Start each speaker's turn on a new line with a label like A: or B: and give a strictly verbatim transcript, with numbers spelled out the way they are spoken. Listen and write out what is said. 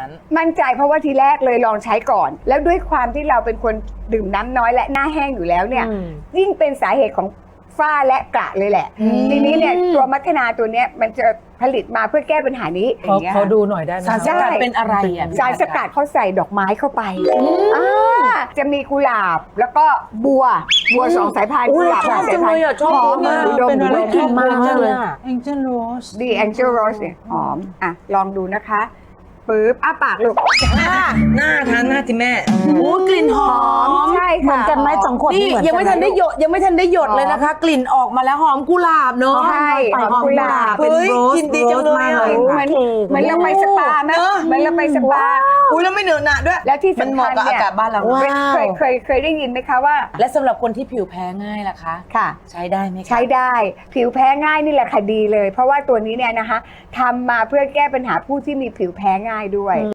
A: นั้น
B: มั่นใจเพราะว่าทีแรกเลยลองใช้ก่อน แล้วด้วยความที่เราเป็นคนดื่มน้ำน้อยและหน้าแห้งอยู่แล้วเนี่ยยิ่งเป็นสาเหตุของฝ้าและกระเลยแหละทีนี้เนี่ยตัวมัคคณาตัวเนี้ยมันจะผลิตมาเพื่อแก้ปัญหานี้อย่างเงี้ย
C: เขาดูหน่อยได้ไหม
A: สารสกัดเป็นอะไรอ่ะ
B: สารสกัดเขาใส่ดอกไม้เข้าไปอ่าจะมีกุหลาบแล้วก็บัวบัวสองสายพันธุ์กุหลาบสองสายพันธุ์
A: ชอบ
B: หอม
A: มาก
B: ดูดม
C: เป็นอะไร
B: ดู
C: ที่
B: ดม
C: มากเลย
A: แองเจิลโรส
B: ดีแองเจิลโรสเนี่ยหอมอ่ะลองดูนะคะปึ๊บอ้าปากลูก
A: หน้าหน้าทานหน้าที่แม่โอ้กลิ่นหอม
B: ใช่ค่ะ
C: เหมือนกันไหมสองขวด
A: นี่
C: เหมือน
A: ยังไม่ทันได้หยดยังไม่ทันได้หยดเลยนะคะ กลิ่นออกมาแล้วหอมกุหลาบเนาะ
B: ใช่หอมกุหลาบ
A: เฮ้ยกินดีจังเลยอ่ะ
B: เหมือนเหมือนเราไปสปาไหม
A: เนอะ
B: เหมือนเราไปสปา
A: อุ้ยแล้วไม่เหนอะหนะด้วย
B: แล้วที่
A: มัน
B: สำ
A: เห
B: คั
A: มาะ
B: ญ
A: กับอา
B: เนี่ย
A: กาศบ้านเรา
C: ว้าว
B: เคยเคยเคยได้ยินไหมคะว่า
A: และสำหรับคนที่ผิวแพ้ง่ายล่ะคะ
B: ค่ะ
A: ใช้ได้ไหมคะ
B: ใช้ได้ผิวแพ้ง่ายนี่แหละค่ะดีเลย เพราะว่าตัวนี้เนี่ยนะคะทำมาเพื่อแก้ปัญหาผู้ที่มีผิวแพ้ง่ายด้วย